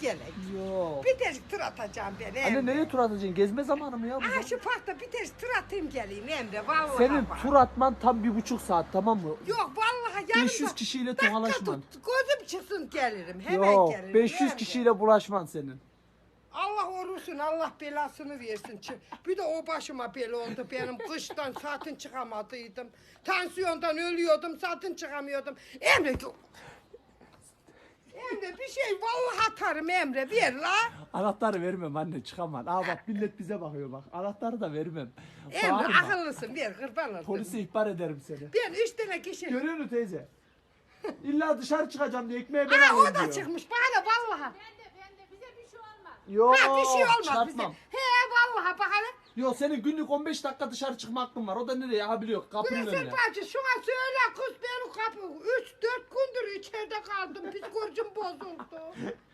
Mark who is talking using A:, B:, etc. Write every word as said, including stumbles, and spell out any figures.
A: gelek.
B: Yok.
A: Bir ters tur atacağım ben Emre.
B: Anne nereye tur atacaksın? Gezme zamanı mı ya? bu?
A: Aha şu parkta bir ters tur atayım geleyim Emre. Vallahi
B: Senin
A: bak.
B: tur atman tam bir buçuk saat, tamam mı?
A: Yok vallahi yarın
B: beş yüz
A: da
B: kişiyle
A: dakika
B: tokalaşman.
A: tut, gözüm çıksın gelirim. Hemen
B: Yok,
A: gelirim.
B: beş yüz
A: Emre.
B: kişiyle bulaşman senin.
A: Allah orusun, Allah belasını versin. Bir de o başıma bela oldu benim. Kıştan satın çıkamadıydım. Tansiyondan ölüyordum, satın çıkamıyordum. Emre, Emre bir şey vallahi atarım Emre, ver la.
B: Anahtarı vermem anne, çıkamam. Aa bak millet bize bakıyor bak. Anahtarı da vermem.
A: Emre
B: Bağırma.
A: akıllısın, ver kurban olayım.
B: Polise ihbar ederim seni.
A: Ben üç tane kişi.
B: Görüyor musun teyze? İlla dışarı çıkacağım diye ekmeği ben
A: Ha o
B: alayım
A: da
B: diyor.
A: çıkmış bana vallahi.
C: Ben de ben de bize bir şey olmaz.
B: Yok,
A: Ha bir şey olmaz bize.
B: çıkartmam.
A: He vallahi bak hele.
B: Yok, senin günlük on beş dakika dışarı çıkma hakkın var. O da nereye? Ha biliyor, kapının
A: Güneşin
B: önüne.
A: bacı şuna söyle kız benim kapı. Üç dört gündür içeride kaldım. Psikolojim bozuldu.